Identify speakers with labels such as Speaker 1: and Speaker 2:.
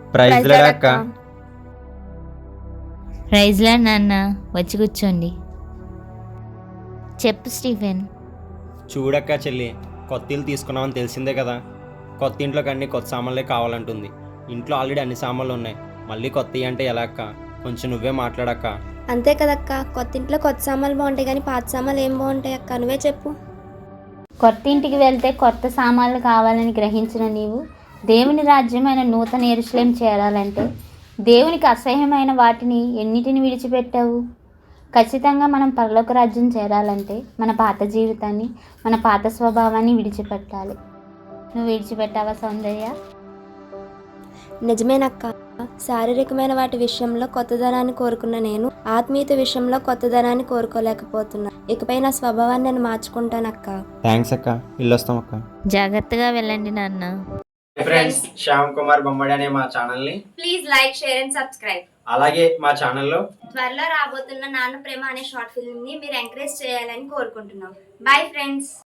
Speaker 1: Praise lord అక్క.
Speaker 2: ప్రైజ్లా నాన్న, వచ్చి కూర్చోండి. చెప్పు స్టీఫెన్.
Speaker 1: చూడక్క చెల్లి, కొత్త ఇల్లు తీసుకున్నామని తెలిసిందే కదా. కొత్త ఇంట్లోకి అన్ని కొత్త సామాన్లే కావాలంటుంది. ఇంట్లో ఆల్రెడీ అన్ని సామాన్లు ఉన్నాయి, మళ్ళీ కొత్తవి అంటే ఎలా అక్క? కొంచెం నువ్వే మాట్లాడక్క.
Speaker 3: అంతే కదక్క, కొత్త ఇంట్లో కొత్త సామాన్లు బాగుంటాయి కానీ పాత సామాన్లు ఏం బాగుంటాయి అక్క? నువ్వే చెప్పు.
Speaker 2: కొత్త ఇంటికి వెళ్తే కొత్త సామాన్లు కావాలని గ్రహించిన నీవు దేవుని రాజ్యమైన నూతన యెరూషలేము చేరాలంటే దేవునికి అసహ్యమైన వాటిని ఎన్నిటిని విడిచిపెట్టావు? ఖచ్చితంగా మనం పరలోక రాజ్యం చేరాలంటే మన పాత జీవితాన్ని, మన పాత స్వభావాన్ని విడిచిపెట్టాలి. నువ్వు విడిచిపెట్టావా సౌందర్య?
Speaker 3: నిజమేనక్క, శారీరకమైన వాటి విషయంలో కొత్తదనాన్ని కోరుకున్న నేను ఆత్మీయత విషయంలో కొత్తదనాన్ని కోరుకోలేకపోతున్నా. ఇకపై నా స్వభావాన్ని నేను మార్చుకుంటానక్క.
Speaker 1: థ్యాంక్స్ అక్క, ఇల్లొస్తాం అక్క.
Speaker 2: జాగ్రత్తగా వెళ్ళండి నాన్న.
Speaker 1: ఫ్రెండ్స్, శ్యామ్ కుమార్ బొమ్మడి అనే మా ఛానల్ని
Speaker 3: please like, share and subscribe.
Speaker 1: అలాగే మా ఛానల్లో
Speaker 3: త్వరలో రాబోతున్న నాన్న ప్రేమ అనే షార్ట్ ఫిల్మ్ ని మీరు ఎంకరేజ్ చేయాలని కోరుకుంటున్నాం. Bye friends.